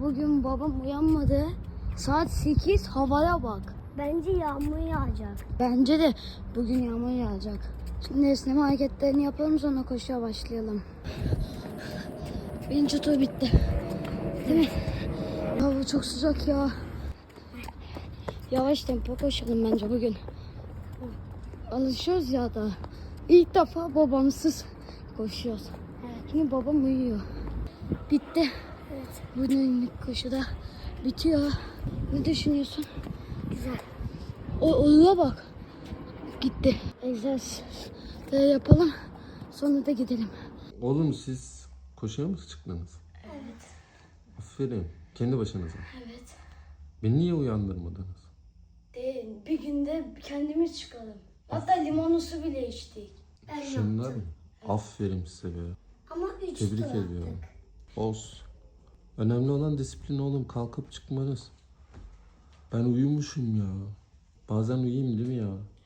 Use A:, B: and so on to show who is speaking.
A: bugün babam uyanmadı. Saat 8, havaya bak.
B: Bence yağmur yağacak.
A: Bence de bugün yağmur yağacak. Şimdi esneme hareketlerini yapalım, sonra koşuya başlayalım. Birinci tur bitti. Değil mi? Hava çok sıcak ya. Yavaş tempo koşalım bence bugün. Alışıyoruz ya da. İlk defa babamsız koşuyoruz.
B: Evet.
A: Şimdi babam uyuyor. Bitti.
B: Evet.
A: Bugünlük koşu da bitiyor. Ne düşünüyorsun?
B: Güzel.
A: Ona bak. Gitti. Egzersiz de yapalım. Sonra da gidelim.
C: Oğlum siz koşuya mı çıktınız?
B: Evet.
C: Aferin. Kendi başınıza.
A: Evet.
C: Beni niye uyandırmadınız?
A: Değil. Bir günde kendimiz çıkalım. Hatta limonlu su bile içtik.
B: Ben
C: Şunlar
B: yaptım.
C: mı? Aferin size be.
B: Ama 3
C: Tebrik
B: tur attık.
C: ediyorum. Olsun. Önemli olan disiplin oğlum. Kalkıp çıkmanız. Ben uyumuşum ya. Bazen uyuyayım değil mi ya?